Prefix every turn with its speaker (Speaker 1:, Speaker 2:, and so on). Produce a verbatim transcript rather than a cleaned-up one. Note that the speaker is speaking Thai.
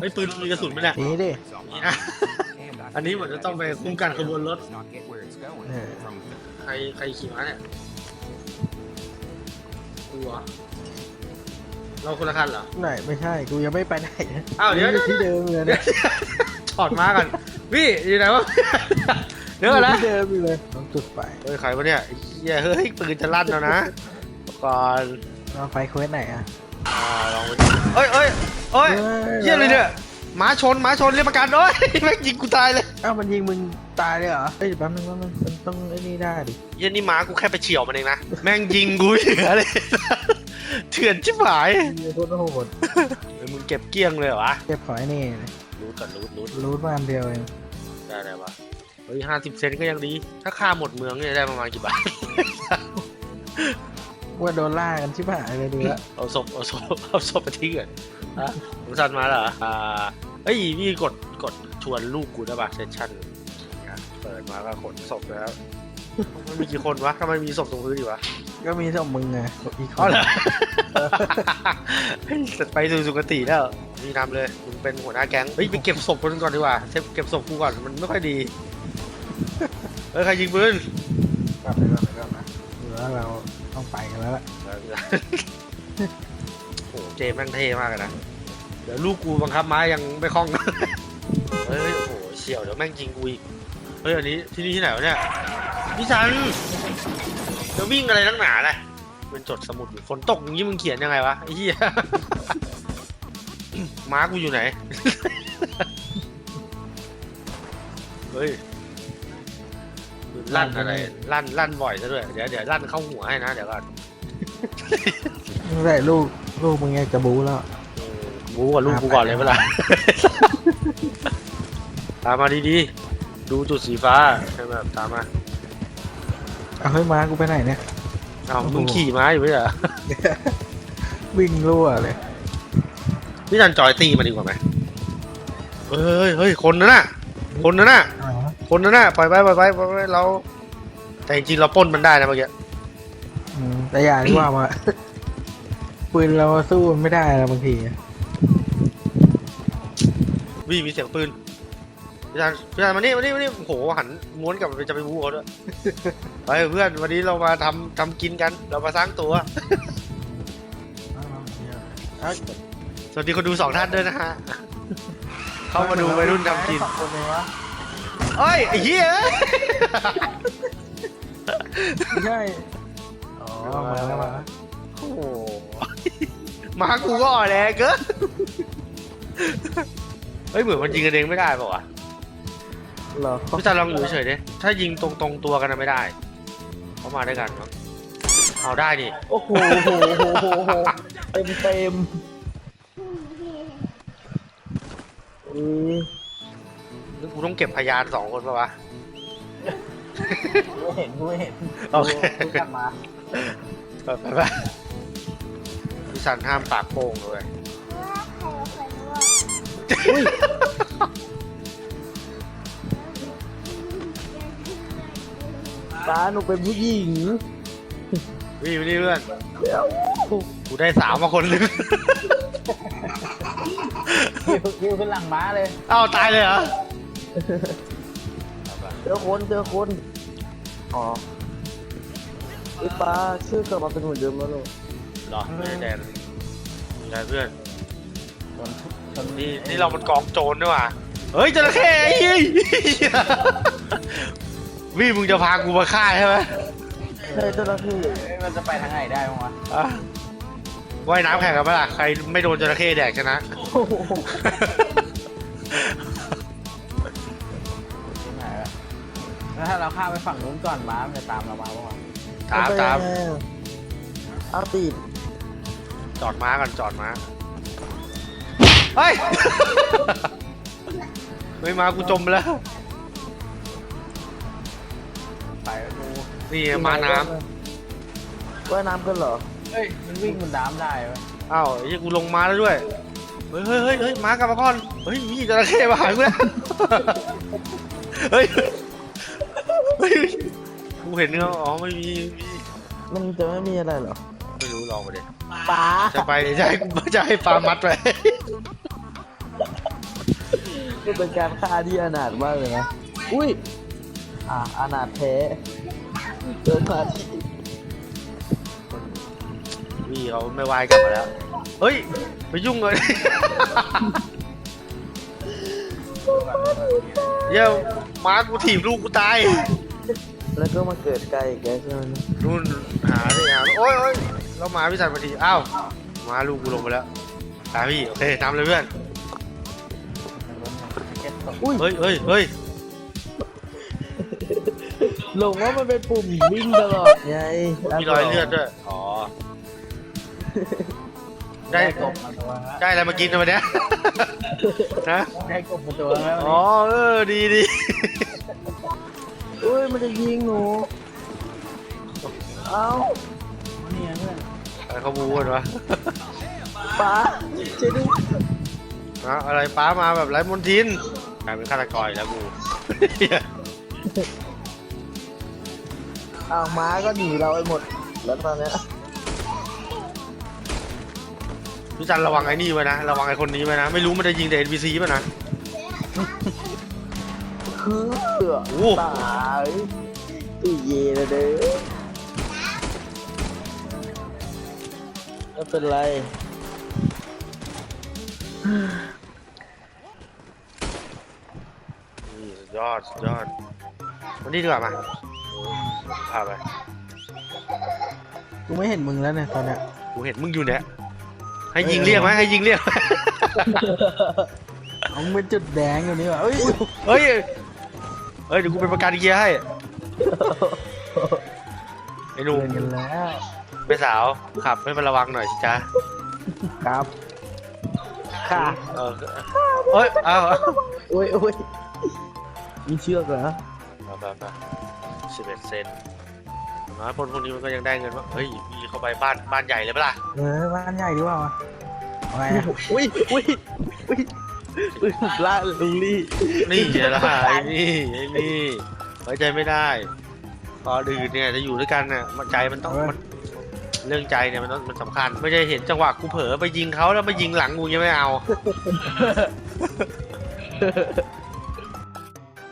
Speaker 1: ฮ้ยปืนมีกระสุนไหมเนี่ย
Speaker 2: นี่ดิ
Speaker 1: นี่นะอันนี้เหมือนจะต้องไปคุ้มกันขบวนรถ
Speaker 2: เออ
Speaker 1: ใครใครขี่ม้าเนี่ยกูเหรอเราคนละคันเหรอ
Speaker 2: ไหนไม่ใช่กูยังไม่ไปไหนนะ
Speaker 1: อ้าวเดี๋ยว
Speaker 2: ที่เดิมเลยนะ
Speaker 1: ถอดม้ากันพี่อยู่ไหนวะเดี๋ยวก่อนนะ
Speaker 2: ที่เดิมอยู่เลยต้องจุดไฟ
Speaker 1: เฮ้ยใครวะเนี่ยเฮ้ยเฮ้ยปืนจะลั่นแล้วนะก่อน
Speaker 2: เราไฟเควสไหนอ่ะ
Speaker 1: อ่าลองไปดูเอ้ยเอ้ยเอ้ยเหี้ยอะไรเนี่ยหมาชนหมาชนเรียกประกันโอ้ยแม่งยิงกูตายเลย
Speaker 2: อ้าวมันยิงมึงตายเลยเหรอเฮ้ยแป๊บนึงแป๊บนึงมันต้องไอ้นี่ได้ดิ
Speaker 1: เหี้ยนี่หมากูแค่ไปเฉี่ยวมันเองนะแม่งยิงกูเหลือเลยเถื่อนชิบหาย
Speaker 2: มีโคตรโหด
Speaker 1: เฮ้ยมึงเก็บเกลี้ยงเลยเหรอวะ
Speaker 2: เก็บขอไอ้นี่
Speaker 1: รูดก่อนรูดรูด
Speaker 2: รูทมาอันเดียวเอง
Speaker 1: ได้ได้ปะเฮ้ยห้าสิบเซนก็ยังดี ถ้าค่าหมดเมืองเนี่ยได้ประมาณกี่บาท
Speaker 2: ว่าโดนล่ากันชิบหายเลยดูละ
Speaker 1: เอาศพเอาศพเอาศพไปทิ้งก่อนฮะผมสั่นมาเหรออ่าเฮ้ยพี่กดกดชวนลูกกูได้ปะเซสชั่นเปิดมาก็ขนศพแล้วมันมีกี่คนวะทำไมมีศพตรงพื้นอยู่วะ
Speaker 2: ก็มีสองมึงไงอีกค
Speaker 1: อ๋อน เหรอ เฮ้ยไปสู่สุคติแล้วนี่นำเลยมึงเป็นหัวหน้าแก๊งเฮ้ยไปเก็บศพคนก่อนดีกว่าเก็บเก็บศพกูก่อนมันไม่ค่อยดีเฮ้ยใครยิงปืน
Speaker 2: กลับไปก่อนไปก่อนนะหรือว่าเราต้องไปกันแล้วล่ะ
Speaker 1: โอ้โหเจแม่งเท่มากเลยนะเดี๋ยวลูกกูบังคับม้ายังไม่คล่อง เฮ้ยโอ้โหเฉียวเดี๋ยวแม่งยิงกูอีกเฮ้ยอันนี้ที่นี่ที่ไหนวะเนี่ยพี่ชันจะวิ่งอะไรนักหนาเลยเป็นจดสมุดอยู่ฝนตกอย่างนี้มึงเขียนยังไงวะไอ้เหี้ย ม้ากูอยู่ไหน เฮ้ยลั่นอะไรลั่นลั่นบ่อยซะด้วยเดี๋ยวเดี๋ยวลั่นเข้าหัวให้นะเดี๋ยวก่อน
Speaker 2: ไม่ได้ลูกลูกมึงไงจะบูแล้ว
Speaker 1: บูกับลูกกูก่อนเลยเวลา ตามมาดีๆดูจุดสีฟ้าใช่ไหมตามมา
Speaker 2: เอาเฮ้ยม้ากูไปไหนเนี่ย
Speaker 1: อ้าวมึงขี่ม้าอยู่ไม่ใช่เหรอ
Speaker 2: วิ่งรั่วเลย
Speaker 1: พี่จันจอยตีมาดีกว่าไหมเฮ้ยเฮ้ยคนนั้นน่ะคนนั้นน่ะคนนั้นน่ะปล่อยไปปล่อยไปปล่อยไปเราแต่จริงๆเราปล้นมันได้นะเมื่อกี้
Speaker 2: อืมแต่อย่างที่ว่ามา ปืนเราสู้มันไม่ได้แล้วบางที
Speaker 1: วิ่งมีเสียงปืนพี่จันพี่จันมานี่มานี่มานี่โอ้โหหันม้วนกลับไปจะไปบูเขาด้วย ไปเพื่อนวันนี้เรามาทำทำกินกันเรามาสร้างตัว สวัสดีคนดูสองท่านด้วยนะฮะ เข้ามาดูวัยรุ่นทำกิน
Speaker 2: สองคนเลยวะ
Speaker 1: เอ้ยไอ้เหี้ย
Speaker 2: ไม่ใช่อ๋อมาแล้วมาแล้ว
Speaker 1: โอ้โหมากูก็อ่อนแรงเกินเฮ้ยเหมือนมันยิงกันเองไม่ได้ป่าวะ
Speaker 2: เหรอ
Speaker 1: พี่จันลองอยู่เฉยๆดิถ้ายิงตรงตรงตัวกันนะไม่ได้เขามาด้วยกันมั้งเอาได้นี่
Speaker 2: โอ้โหโหโหโหโหเต็มเต็มอือ
Speaker 1: นึกกูต้องเก็บพยานสองคนป่าวะ
Speaker 2: ไม่เห็นไม่เห็น
Speaker 1: โอเค
Speaker 2: กูกลับมา
Speaker 1: ไปไปไปพี่จันห้ามปากโป้งเลย
Speaker 2: ตาหนูเป็นผู้หญิง
Speaker 1: วิ่งไปนี่เพื่อน
Speaker 2: เดี๋ยว
Speaker 1: กูได้สาวมาคนนึง
Speaker 2: คิวขึ้นหลังม้าเลย
Speaker 1: เอ้าตายเลยเหรอ
Speaker 2: เจอคนเจอคนอ๋อไอ้ปลาชื่อกลับมาเป็นเหมือนเดิมแล้วลูก
Speaker 1: เหรอไม่ได้แดนไม่ได้เพื่อนนี่นี่เรามันกองโจรด้วยว่ะเฮ้ยจระเข้ไอ้เหี้ยวิ่งมึงจะพากูมาฆ่าใช่ไหม
Speaker 2: เฮ้ยเจ้าหน้าที่มันจะไปทางไหนได้บ้างวะ
Speaker 1: อ่ะว่ายน้ำแข่งกันปะล่ะใครไม่โดนจระเข้แดกชนะ
Speaker 2: ที่ไหนอะแล้วถ้าเราข้ามไปฝั่งนู้นก่อนม้ามันจะตามเรามาบ้างวะ
Speaker 1: ตามตาม
Speaker 2: เอาตีด
Speaker 1: จอดม้ากันจอดม้าเฮ้ย ไม่มากูจมไปแล้ว
Speaker 2: ไปดู
Speaker 1: นี่มาน้
Speaker 2: ว่ายน้ำกันเหรอ เฮ้ย มันวิ่งบนน้ำได้ไหม
Speaker 1: ำอ้าวไอ้เหี้ยกูลงมาแล้วด้วยเฮ้ยเฮ้ยเฮ้ยเฮ้ยม้ากลับมาก่อนเฮ้ยมีจระเข้มาหากูแล้วเฮ้ยเฮ้ยกูเห็นเงาอ๋อไม่มีมี
Speaker 2: มันจะไม่มีอะไรเหรอ
Speaker 1: ไม่รู้ลองมาดิ
Speaker 2: ปลา
Speaker 1: จะไปจะให้จะให้ปลามัดไป
Speaker 2: มันเป็นการฆ่าที่อนาถมากเลยนะอุ้ยอ่าอนาถแท้เดินมาที่
Speaker 1: พี่เขาไม่วายกลับมาแล้วเฮ้ยไปยุ่งเลย เดี๋ยวม้ากูถีบลูกกูตาย
Speaker 2: แล้วก็มาเกิดไกลอีกแล้วใช่ไหม
Speaker 1: นู่นหาดิหาโอ้ยโอ้ยเราหมาพี่สันมาทีอ้าวหมาลูกกูลงไปแล้วตามพี่โอเคนำเลยเพื่อน
Speaker 2: อุ้ย
Speaker 1: เฮ้ยเฮ้ยเฮ้ย
Speaker 2: หลงว่ามันเป็นปุ่มวิ่งตลอดไง
Speaker 1: มีรอยเลือดด้วยอ๋อได้
Speaker 3: กบมาตัวแล้ว
Speaker 1: ได้อะไรมากินวันเนี้ยนะ
Speaker 3: ได้กบมาตัวแล้ว
Speaker 1: อ๋อเออดีดี
Speaker 2: อุ้ยมันจะยิงหนูเอ้า
Speaker 3: นี่เพื่อน
Speaker 1: อะไรเขาบูกันวะ
Speaker 2: ป้าช่วยด้วย
Speaker 1: นะอะไรป้ามาแบบไร้มนทินกลายเป็นฆาตกรอีกแล้วกู
Speaker 2: อ้าวม้าก็หนีเราไปหมดแล้วตอนเนี้ย
Speaker 1: พี่จันระวังไอ้นี่ไว้นะระวังไอ้คนนี้ไว้นะไม่รู้มันจะยิงแต่ เอ็น พี ซี ป่ะนะ
Speaker 2: คือ
Speaker 1: โอ้
Speaker 2: ตายตุยเย่เลยเด้อไม่เป็นไร
Speaker 1: นี่สุดยอดสุดยอดวันนี้ดีกว่ามาพาไป
Speaker 3: กูไม่เห็นมึงแล้วเนี่ยตอนเนี้ย
Speaker 1: กูเห็นมึงอยู่เนี่ยให้ยิงเรียกไหมให้ยิงเรียกไหม
Speaker 3: เอามึงเป็นจุดแดงอยู่นี่ว่ะเอ้ย
Speaker 1: เฮ้ยเฮ้ยเดี๋ยวกูเป็นประกันเกียร์ให้ไอ้หนุ่ม
Speaker 3: เล่นกันแล้ว
Speaker 1: ไปสาวขับให้มันระวังหน่อยสิจ๊ะ
Speaker 3: ครับ
Speaker 2: ค่ะ
Speaker 1: เออเฮ้ยเอาเอา
Speaker 2: โอ้ยโอ้ยมีเชือกเหรอ
Speaker 1: เอาไปไปสิบเอ็ดเซนน้อยคนพวกนี้มันก็ยังได้เงินว่าเฮ้ยมีเข้าไปบ้านบ้านใหญ่เลยปะล่ะ
Speaker 3: เออบ้านใหญ่ดีกว่าวะเอาไงอะ
Speaker 2: อุ้ยอุ้ยอุ้ยอุ้ยล่าลุงลี่
Speaker 1: นี่ไงล่ะไอ้นี่ไอ้นี่ไว้ใจไม่ได้ตอนอื่นเนี่ยจะอยู่ด้วยกันเนี่ยมันใจมันต้องมันเรื่องใจเนี่ยมันต้องมันสำคัญไม่ใช่เห็นจังหวะกูเผลอไปยิงเขาแล้วมายิงหลังกูยังไม่เอา